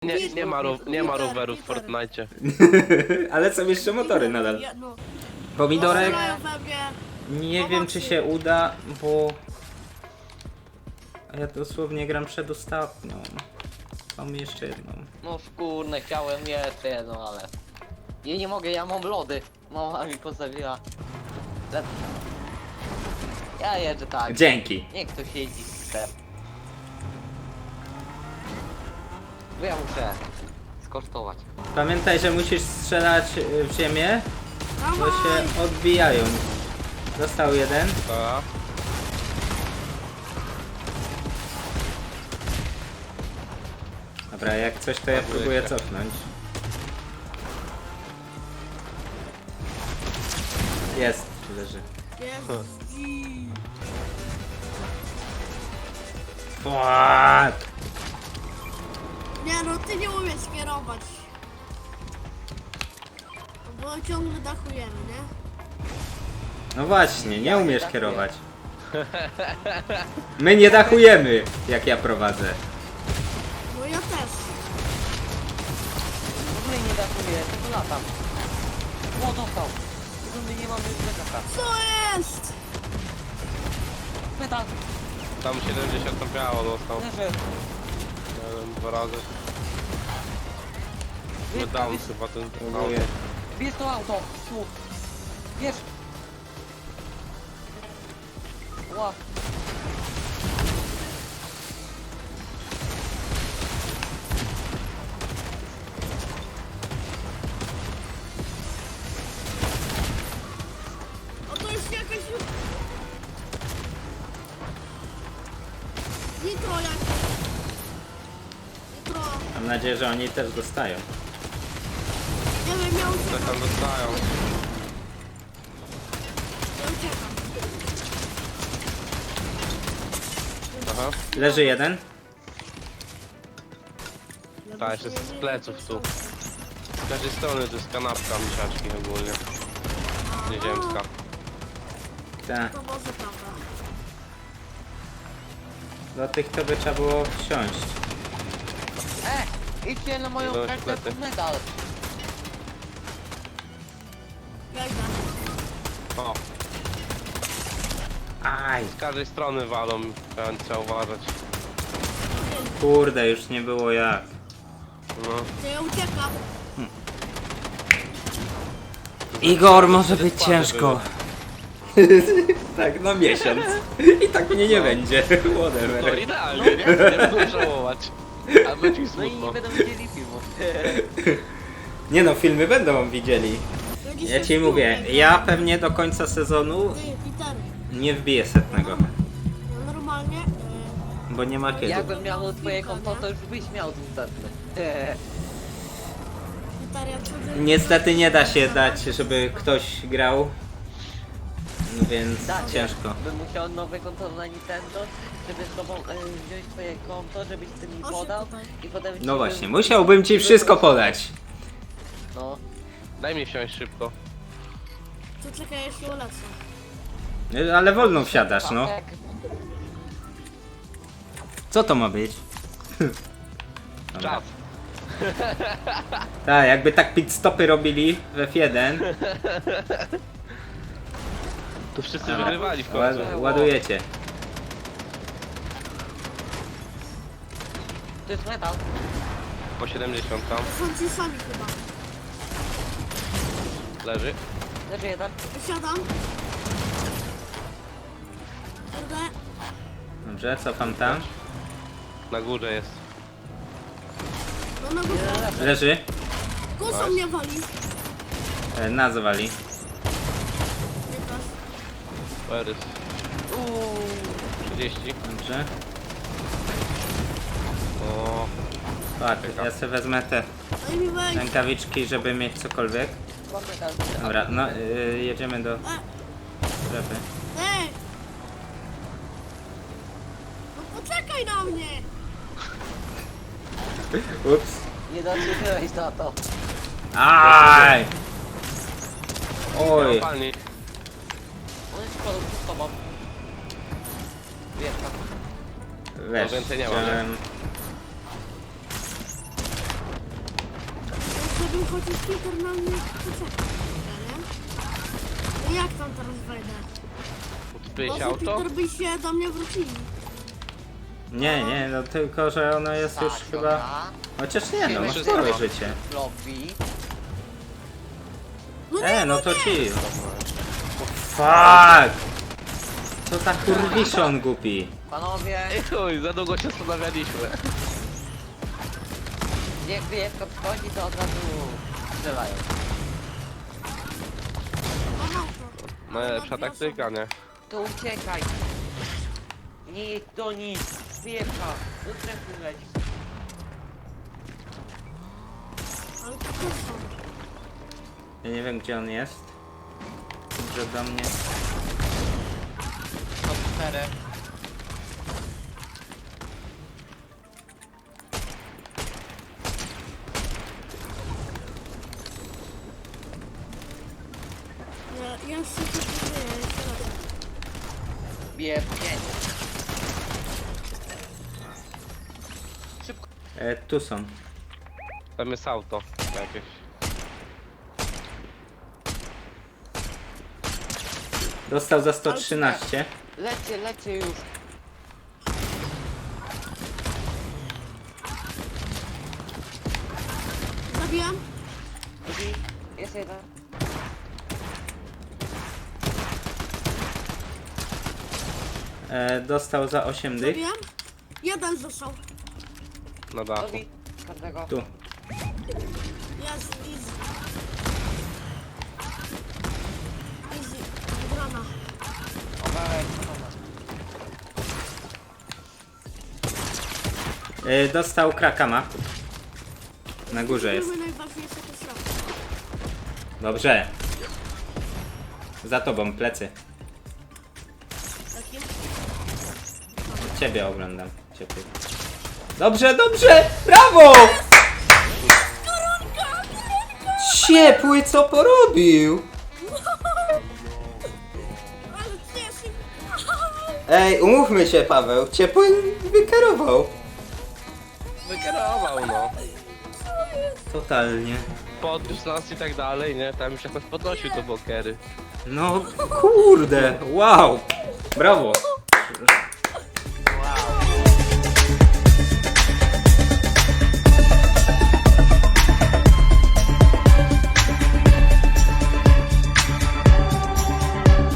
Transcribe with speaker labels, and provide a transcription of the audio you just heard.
Speaker 1: Nie ma rowerów w Fortnite.
Speaker 2: Ale są jeszcze motory nadal.
Speaker 3: No.
Speaker 2: Pomidorek,
Speaker 3: Strzelają we mnie.
Speaker 2: nie wiem czy się uda, bo... Ja dosłownie gram przedostatnią. Mam jeszcze jedną.
Speaker 4: No skórne, chciałem jeszcze jedno, ale... Ja nie mogę, ja mam lody. Mama mi postawiła. Le- Ja jeżdżę tak.
Speaker 2: Dzięki.
Speaker 4: Niech ktoś jeździ chce. Bo ja muszę skosztować.
Speaker 2: Pamiętaj, że musisz strzelać w ziemię, bo się odbijają. Został jeden.
Speaker 1: A,
Speaker 2: Dobra, jak coś to ja próbuję cofnąć. Jest, leży.
Speaker 3: Jest.
Speaker 2: Fuck!
Speaker 3: Nie no, ty nie umiesz kierować. Bo ciągle dachujemy, nie?
Speaker 2: No właśnie, nie umiesz kierować. My nie dachujemy, jak ja prowadzę.
Speaker 3: No ja też.
Speaker 4: W ogóle nie dakuję, tylko latam. O, dostał. My nie mamy plecaka.
Speaker 3: Co jest?
Speaker 4: Metal,
Speaker 1: tam 70 tam biało dostał.
Speaker 4: leży.
Speaker 1: Nie wiem, 2 razy. Nie dam chyba ten
Speaker 2: Próbuję.
Speaker 4: Bierz to auto, tu. Bierz. Ła.
Speaker 3: O to jest jakaś... Nitro jakieś. Nitro.
Speaker 2: Mam nadzieję, że oni też dostają.
Speaker 3: Nie wiem, ja
Speaker 1: Coś
Speaker 3: uciekam.
Speaker 1: tam dostają.
Speaker 3: Ja uciekam.
Speaker 1: Aha.
Speaker 2: Leży jeden.
Speaker 1: Tak, jeszcze z pleców tu. Z każdej strony to jest kanapka misiaczki ogólnie. Nieziemska.
Speaker 2: Tak.
Speaker 3: To może prawda.
Speaker 2: Do tych to by trzeba było wsiąść.
Speaker 4: Idźcie na moją
Speaker 1: Idą
Speaker 4: kartę
Speaker 1: szklety.
Speaker 4: pod medal.
Speaker 3: Ja idę.
Speaker 1: O,
Speaker 2: Aj,
Speaker 1: z każdej strony walą, trzeba uważać.
Speaker 2: kurde, już nie było jak.
Speaker 1: No.
Speaker 3: To ja uciekam.
Speaker 2: Igor, może być
Speaker 1: Składy
Speaker 2: ciężko. Tak, na miesiąc. I tak mnie nie będzie.
Speaker 1: No
Speaker 2: Whatever.
Speaker 1: idealnie, nie? Nie będę żałować. A będzie mi
Speaker 4: No i
Speaker 1: smutno.
Speaker 4: nie będą widzieli filmu.
Speaker 2: Nie no, filmy będą widzieli.
Speaker 3: Będziesz
Speaker 2: Ja
Speaker 3: się
Speaker 2: ci mówię,
Speaker 3: wkurwiał.
Speaker 2: ja pewnie do końca sezonu
Speaker 3: Ty, Peter.
Speaker 2: nie wbiję setnego.
Speaker 3: Ja normalnie...
Speaker 2: Bo nie ma kiedy.
Speaker 4: Jakbym miał twoje konto, to już byś miał dostępne.
Speaker 3: Peter, ja codziennie...
Speaker 2: Niestety nie da się dać, żeby ktoś grał. Więc
Speaker 4: Tak,
Speaker 2: ciężko.
Speaker 4: Bym musiał nowe konto na Nintendo, żeby z tobą wziąć twoje konto, żebyś ty mi podał i potem... ci
Speaker 2: No
Speaker 4: bym-
Speaker 2: właśnie, musiałbym ci wszystko podać.
Speaker 4: No.
Speaker 1: Daj mi wsiąść szybko.
Speaker 3: To czekaj, ja się ulecę.
Speaker 2: Ale wolno wsiadasz, no.
Speaker 4: Tak.
Speaker 2: Co to ma być? Dobra.
Speaker 1: Czas.
Speaker 2: Tak, jakby tak pit stopy robili w F1.
Speaker 1: Tu wszyscy
Speaker 2: Dobra.
Speaker 1: wygrywali w końcu.
Speaker 2: Ładujecie.
Speaker 4: To jest metal.
Speaker 1: Po 70 tam.
Speaker 3: To są ci sami chyba.
Speaker 1: Leży.
Speaker 4: Leży jeden.
Speaker 3: Wysiadam. Kurde.
Speaker 2: Dobrze, cofam tam.
Speaker 1: Na górze jest.
Speaker 3: No na górze.
Speaker 4: Jeden leży.
Speaker 2: Leży.
Speaker 3: Kusą mnie wali.
Speaker 2: Nazwali.
Speaker 3: Nie też.
Speaker 1: Perys. 30.
Speaker 2: Dobrze.
Speaker 1: O,
Speaker 2: Patrz, ja sobie wezmę te
Speaker 3: Daj mi wejść.
Speaker 2: rękawiczki, żeby mieć cokolwiek.
Speaker 4: Mam metal.
Speaker 2: Dobra, no jedziemy do strefy.
Speaker 3: Ej! No poczekaj na mnie!
Speaker 2: Ups.
Speaker 4: Nie dotrzymałeś na to.
Speaker 2: Aj! Oj.
Speaker 1: palnik.
Speaker 4: On jest pod tobą. Wiesz,
Speaker 2: Wiesz,
Speaker 1: No więcej nie ma, nie?
Speaker 2: chciałem...
Speaker 3: Żeby chociaż Peter na mnie poczekał, nie? No jak tam teraz wejdę?
Speaker 1: Odpięć
Speaker 3: Może
Speaker 1: auto?
Speaker 3: Peter by się do mnie wrócili.
Speaker 2: Nie, no tylko, że ono jest już chyba... Chociaż nie, no masz
Speaker 1: Wszystko.
Speaker 2: spore życie.
Speaker 4: Lobby.
Speaker 2: No to ci. Fuck! Co za kurwiszon głupi.
Speaker 4: Panowie,
Speaker 1: Ej chuj, za długo się zastanawialiśmy.
Speaker 4: jak wyjewka wchodzi, to od razu strzelają.
Speaker 3: Mam auto.
Speaker 1: Najlepsza taktyka, nie?
Speaker 4: To uciekaj. Nie jedź do nich. Wyjewka. Do strefy leć.
Speaker 3: Ale to też są.
Speaker 2: Ja nie wiem gdzie on jest. Że do mnie...
Speaker 4: To 4.
Speaker 3: Ja już się tu żyję, jeszcze raz.
Speaker 4: Bije 5.
Speaker 2: Tu są.
Speaker 1: Tam jest auto jakieś.
Speaker 2: Dostał za 113.
Speaker 4: Lecie już.
Speaker 3: Zabijam?
Speaker 4: Drugi. Jest jeden.
Speaker 2: Dostał za 8 dych.
Speaker 3: Zabijam? Jeden został.
Speaker 1: Na dachu.
Speaker 4: Drugi. Każdego.
Speaker 2: Tu.
Speaker 3: Jest, easy. Easy. Wygrana.
Speaker 4: Oberek.
Speaker 2: Dostał krakama. Na górze jest.
Speaker 3: Były najważniejsze te środki.
Speaker 2: Dobrze. Za tobą, plecy.
Speaker 3: Takie?
Speaker 2: Ciebie oglądam. Ciebie. Dobrze! Brawo! Ciepły co porobił?
Speaker 3: Ale cieszy.
Speaker 2: Ej, umówmy się, Paweł. Ciepły wykierował.
Speaker 1: Wykierował, no.
Speaker 2: Totalnie.
Speaker 1: Podniósł nas i tak dalej, nie? Tam już jakoś podnosił te bokery.
Speaker 2: No kurde, wow. Brawo.